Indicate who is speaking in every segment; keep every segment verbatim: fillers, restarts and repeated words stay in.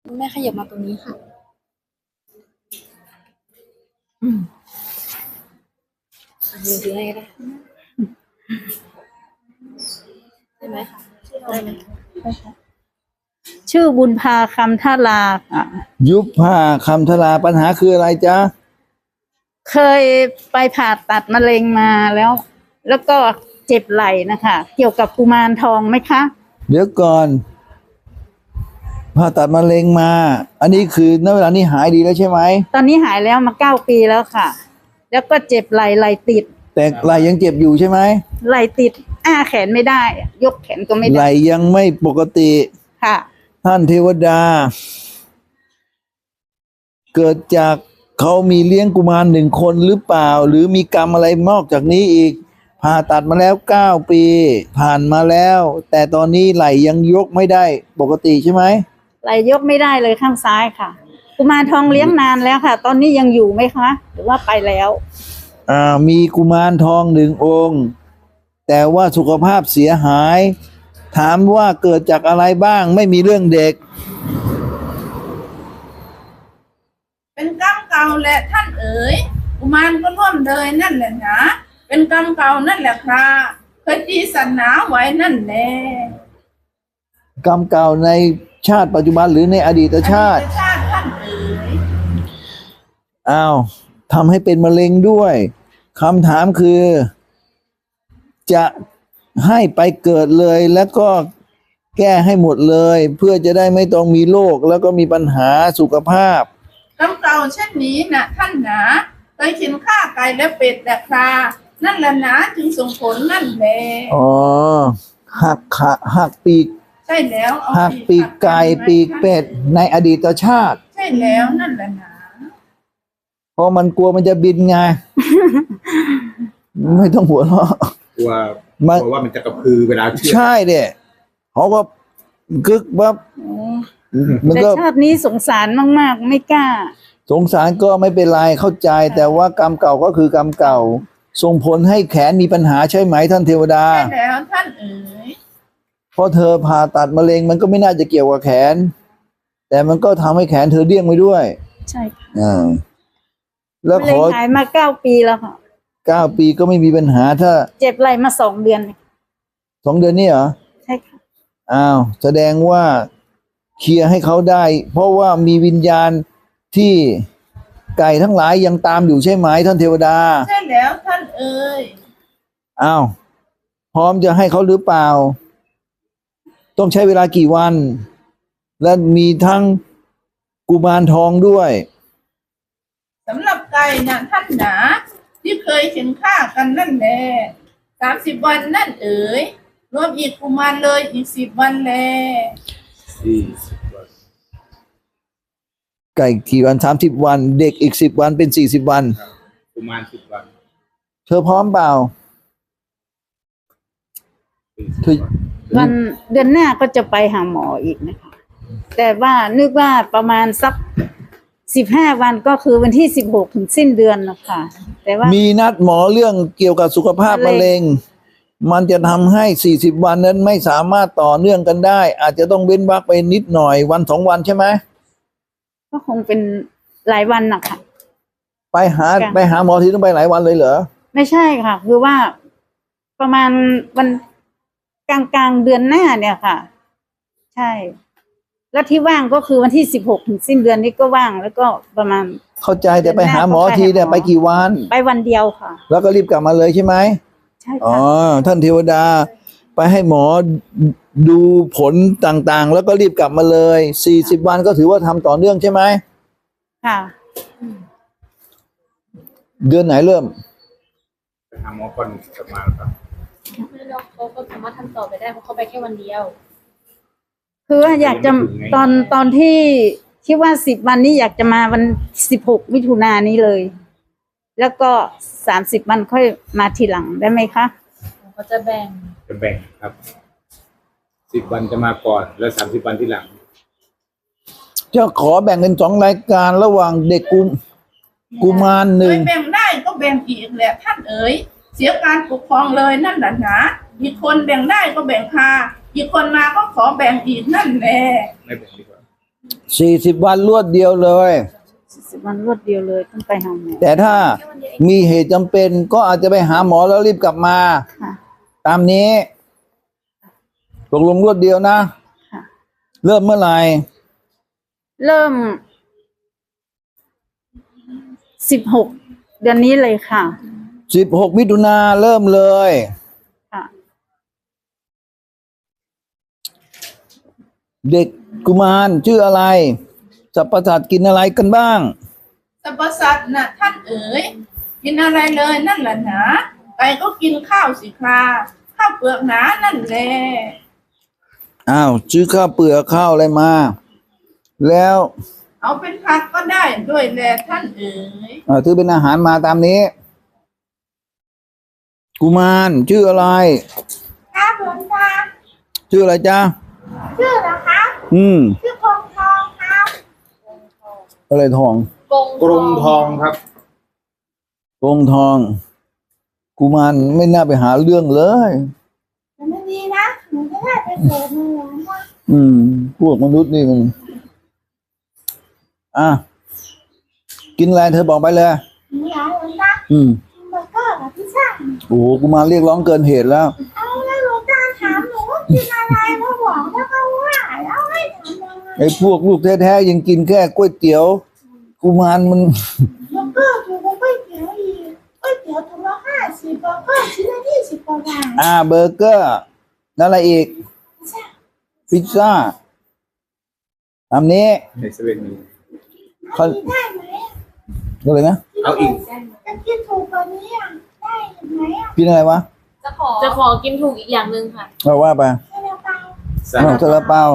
Speaker 1: แม่ขยับมาตรงนี้ค่ะยืนยืนให้ได้ได้ไหมคะได้ไหม
Speaker 2: ชื่อบุญพาคำท่าลาค่ะ
Speaker 3: ยุบผ้าคำทลาปัญหาคืออะไรจ๊ะ
Speaker 2: เคยไปผ่าตัดมะเร็งมาแล้ว แล้วก็เจ็บไหล่นะคะ เกี่ยวกับกุมารทองไหมคะ
Speaker 3: เดี๋ยวก่อนผ่าตัดมะเร็งมา อันนี้คือณเวลานี้หายดีแล้วใช่ไหม
Speaker 2: ตอนนี้หายแล้วมาเก้าปีแล้วค่ะ แล้วก็เจ็บไหล่ไหล่ติด
Speaker 3: แต่ไหลยังเจ็บอยู่ใช่ไหม
Speaker 2: ไหล่ติด อ้าแขนไม่ได้ ยกแขนก็ไม่
Speaker 3: ไหล
Speaker 2: ได้
Speaker 3: ยังไม่ปกติ
Speaker 2: ค่ะ
Speaker 3: ท่านเทวดา เกิดจากเขามีเลี้ยงกุมารหนึ่งคนหรือเปล่า หรือมีกรรมอะไรนอกจากนี้อีกผ่าตัดมาแล้วเก้าปี ผ่านมาแล้ว แต่ตอนนี้ไหลยังยกไม่ได้ปกติใช่ไหม
Speaker 2: ไหล่ยกไม่ได้เลยข้างซ้ายค่ะ กุมารทองเลี้ยงนานแล้วค่ะ ตอนนี้ยังอยู่ไหมคะ หรือว่าไปแล้ว
Speaker 3: อ่ามีกุมารทองหนึ่งองค์ แต่ว่าสุขภาพเสียหาย ถามว่าเกิดจากอะไรบ้างไม่มีเรื่องเด็ก
Speaker 4: เป็นกรรมเก่าแหละท่านเอ๋ยกุมารก็ร่วมเลยนั่นแหละนะเป็นกรรมเก่านั่นแหละครับเคยจีสันหนาไว้นั่นแหละ
Speaker 3: กรรมเก่าในชาติปัจจุบันหรือในอดีตชาติ
Speaker 4: อดีตชาติท่านเอ๋ย
Speaker 3: อ้าวทำให้เป็นมะเร็งด้วยคำถามคือ จะให้ไปเกิดเลยแล้วก็แก้ให้หมดเลย เพื่อจะได้ไม่ต้องมีโรคแล้วก็มีปัญหาสุขภาพ
Speaker 4: กรรมเก่าเช่นนี้นะท่านหนาเคยกินข้าไก่และเป็ดและครานั่นแหละนะจึงส่งผลนั่นแหละ
Speaker 3: อ๋อหักขาหักปีก
Speaker 4: ใช่แล้วเอา
Speaker 3: หักปีกไก่ปีกเป็ดในอดีตชาติ
Speaker 4: ใช่แล้วนั่นแหละนะ
Speaker 3: เพราะมันกลัวมันจะบินไง ไม่ต้องหัวเราะ
Speaker 5: กลัว
Speaker 3: มัน
Speaker 5: กลัวว่ามันจะกระพือเวลาเชื่อด
Speaker 3: ใช่เด็เขาก็กึกว่ามัน
Speaker 2: แต่
Speaker 3: ก็
Speaker 2: ชาตินี้สงสารมากๆ ไม่กล้า
Speaker 3: สงสารก็ไม่เป็นไรเข้าใจ แต่ว่ากรรมเก่าก็คือกรรมเก่า ส่งผลให้แขนมีปัญหาใช่ไหมท่านเทวดา
Speaker 4: ใช่แล้วท่านเอ๋ย
Speaker 3: เพราะเธอผ่าตัดมะเร็งมันก็ไม่น่าจะเกี่ยวกับแขน แต่มันก็ทำให้แขนเธอเดี้ยงไปด้วย
Speaker 2: ใช่ค่ะ
Speaker 3: อ่าแล้ว
Speaker 2: มะ
Speaker 3: ข
Speaker 2: เร็ง
Speaker 3: อ
Speaker 2: หายมาเก้าปีแล้วค่ะ
Speaker 3: เก้าปีก็ไม่มีปัญหาถ้า
Speaker 2: เจ็บไหล่มาสองเดือน
Speaker 3: สองเดือนนี่เหรอ
Speaker 2: ใช่ค่ะ
Speaker 3: อ้าวแสดงว่าเคลียร์ให้เขาได้ เพราะว่ามีวิญญาณที่ไก่ทั้งหลายยังตามอยู่ใช่ไหมท่านเทวดา
Speaker 4: ใช่แล้วท่านเอ๋ย
Speaker 3: อ้าวพร้อมจะให้เขาหรือเปล่า ต้องใช้เวลากี่วัน และมีทั้งกุมารทองด้วย
Speaker 4: สำหรับไก่นะท่านหนาที่เคยเห็นฆ่ากันนั่นแหละสามสิบวันนั่นเอ๋ยรวมอีกกุมารเลยอีกสิบวันแล
Speaker 5: สี่สิบวัน
Speaker 3: ไก่กี่วันสามสิบวัน เด็กอีกสิบวันเป็นสี่สิบวัน
Speaker 5: ครับประมาณสิบวัน
Speaker 3: เธอพร้อมเปล่า
Speaker 5: สี่สิบ
Speaker 3: เธอ
Speaker 5: วัน
Speaker 2: วันเดือนหน้าก็จะไปหาหมออีกนะคะ แต่ว่านึกว่าประมาณสักสิบห้าวันก็คือวันที่สิบหกถึงสิ้นเดือนนะคะ แต่ว่า
Speaker 3: มีนัดหมอเรื่องเกี่ยวกับสุขภาพมะ
Speaker 2: มะเร็
Speaker 3: เร็ง
Speaker 2: ง
Speaker 3: มันจะทำให้สี่สิบวันนั้นไม่สามารถต่อเนื่องกันได้ อาจจะต้องเว้นวรรคไปนิดหน่อยวันสองวันใช่ไหม
Speaker 2: ก็คงเป็นหลายวันนะคะ
Speaker 3: ไปหา
Speaker 2: ค่ะ
Speaker 3: ไปหาหมอที่ต้องไปหลายวันเลยเหรอ
Speaker 2: ไม่ใช่ค่ะ คือว่าประมาณวันกลางกลางๆเดือนหน้าเนี่ยค่ะ ใช่ แล้วที่ว่างก็คือวันที่สิบหกถึงสิ้นเดือนนี้ก็ว่าง แล้วก็ประมาณ
Speaker 3: เข้าใจแต่ไปหาหมอทีเนี่ย
Speaker 2: เดือนหน้าก็
Speaker 3: ไป
Speaker 2: ไปหาหมอ
Speaker 3: กี่วัน
Speaker 2: ไปวันเดียวค่ะ
Speaker 3: แล้วก็รีบกลับมาเลยใช่ไหม
Speaker 2: ใช่
Speaker 3: อ๋อ
Speaker 2: ค่ะ
Speaker 3: ท่านเทวดา ไปให้หมอดูผลต่างๆ แล้วก็รีบกลับมาเลยสี่สิบวันก็ถือว่าทำต่อเนื่องใช่ไหม
Speaker 2: ค่ะ
Speaker 3: เดือนไหนเริ่ม
Speaker 5: ไปหาหมอก่อนกลับมาแล้วครับ
Speaker 1: แล้วเขาก็สามารถทำต่อไปได้เพราะเขาไปแค่วันเดียว
Speaker 2: คือว่าอยากจะตอนตอนที่ที่ว่าสิบวันนี้อยากจะมาวันสิบหกมิถุนายนนี้เลย แล้วก็สามสิบวันค่อยมาทีหลังได้ไหมคะ
Speaker 1: เขาจะแบ่ง
Speaker 5: จะแบ่งครับสิบวันจะมาก่อน แล้วสามสิบวันที่หลัง
Speaker 3: จะขอแบ่งเป็นสองรายการระหว่างเด็กกุมกุมารห
Speaker 4: เค
Speaker 3: นึ่ง
Speaker 4: ยแบ่งได้ก็แบ่งอีกแหละท่านเอ๋ยเสียการปกครองเลยนั่นแหละนะอีกคนแบ่งได้ก็แบ่งคาอีกคนมาก็ขอแบ่งอีกนั่นแหละ
Speaker 5: ไม่แบ่งดีกว่า
Speaker 3: สี่สิบวันรวดเดียวเลย
Speaker 2: สิบวันรวดเดียวเลยต้องไปหาหมอ
Speaker 3: แต่ถ้ามีเหตุจำเป็นก็อาจจะไปหาหมอแล้วรีบกลับมา
Speaker 2: ค่ะ
Speaker 3: ตามนี้ตกลงรวดเดียวนะ
Speaker 2: ค่ะ
Speaker 3: เริ่มเมื่อไหร่
Speaker 2: เริ่มสิบหกเดือนนี้เลยค่ะ
Speaker 3: สิบหกมิถุนาเริ่มเลย
Speaker 2: ค่ะ
Speaker 3: เด็กกุมารชื่ออะไรสัพพสัตว์กินอะไรกันบ้าง
Speaker 4: สรรพสัตว์น่ะท่านเอ๋ยกินอะไรเลยนั่นแหละหนาไก่ก็กินข้าวสิคราข้าวเปลือกหนานั่นแหละ
Speaker 3: อ้าวซื้อข้าวเปลือกข้าวอะไรมา แล้ว
Speaker 4: เอาเป็นผักก็ได้ด้วยแหละท่านเอ๋ย
Speaker 3: อ่าซื้อเป็นอาหารมาตามนี้ กุมารชื่ออะไร
Speaker 4: ครับหลวงตา
Speaker 3: ชื่ออะไรจ๊ะ
Speaker 4: ชื่อเหรอครับ
Speaker 3: อืม
Speaker 4: ชื่อคงทองครับ
Speaker 3: อะไรทอง
Speaker 1: กง
Speaker 5: กรุงทองครับ
Speaker 3: กงทอง กุมารไม่น่าไปหาเรื่องเลย
Speaker 4: มันไม่ดีนะหนูจะได้ไปเกิดในหลวงพ่อ
Speaker 3: อืม พวกมนุษย์นี่มัน อ่ะ กินอะไรเธอบอกไปเลย
Speaker 4: หนูอยากหลวงตา
Speaker 3: อืม
Speaker 4: เบอร์เกอร์กับพิซซ่า
Speaker 3: โอ้โหกุมารเรียกร้องเกินเหตุแล้ว
Speaker 4: เอาแล้วหลวงตาถามหนูว่ากินอะไรมาบอกแล้วก็ว่าแล้วให้ทำยังไง
Speaker 3: ไอ้พวกลูกแท้ๆยังกินแค่ก๋วยเตี๋ยว กุมารมัน
Speaker 4: เบอร์เกอร์ถูกกว่าก๋วยเตี๋ยวอีกก๋วยเตี๋ยวถุงละห้าสิบเบอร์เกอร์ชิ้นละยี่สิบกว่าบาท
Speaker 3: อ่าเบอร์เกอร์นั่นอะไรอีก พิซซ่าตามนี้
Speaker 5: ในเซเว่นมี
Speaker 3: เขา
Speaker 4: กินได้ไหมอะ
Speaker 3: อะไรนะ
Speaker 5: เอาอีก
Speaker 4: จะกินถูกกว่านี้อ่ะได้ไหมอ่ะ
Speaker 3: กินอะไรวะ
Speaker 1: จะขอจะขอกินถูกอีกอย่างหนึ่งค่ะ
Speaker 3: เราว่าไป
Speaker 4: ให้เราไป
Speaker 5: สา
Speaker 3: อ้าวซาลาเปา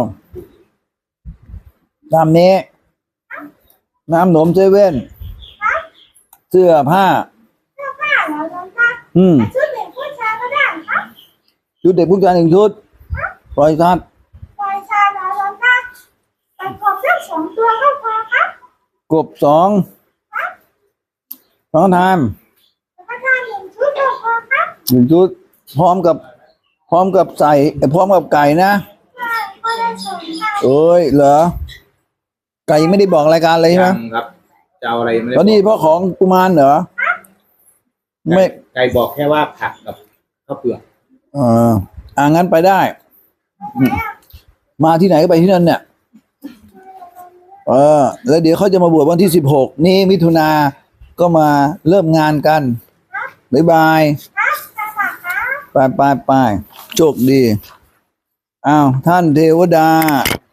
Speaker 3: ตามนี้ น้ำหนมเซเว่นเสื้อผ้า
Speaker 4: เสื้อผ้าเหรอหลวงตา
Speaker 3: อืม
Speaker 4: ชุดเด็กผู้ชายก็ได้ครับ
Speaker 3: ชุดเด็กผู้ชายหนึ่งชุดปล่อยสัตว์
Speaker 4: ปล่อยชายเหรอหลวงตาไปกบสักสองตัวก็พอครับ
Speaker 3: กบสองสองทาม
Speaker 4: แล้วก็ได้หนึ่งชุดก็พอครับ
Speaker 3: หนึ่งชุด พร้อมกับ พร้อมกับใส่เอ่อพร้อมกับไก่นะ
Speaker 4: ใช่ก็ได้สองค่ะ
Speaker 3: เอ้ยเหรอ ไก่ยังไม่ได้บอกรายการเลยใช่ไหม
Speaker 5: ยังครับจะเอาอะไรไม่ได้
Speaker 3: ตอนนี้
Speaker 5: บก
Speaker 3: พ่อของกุมารเหรอ ไม่
Speaker 5: ไก่บอกแค่ว่าผักกับข้าวเปลือก
Speaker 3: เอออ่างั้นไปได้ มาที่ไหนก็ไปที่นั่นเนี่ย เออ แล้วเดี๋ยวเขาจะมาบวชวันที่สิบหกนี่มิถุนาก็มาเริ่มงานกัน บ๊ายบาย
Speaker 4: ครับจะฝากครับ
Speaker 3: ไปไปไปโชคดี อ้าว ท่านเทวดา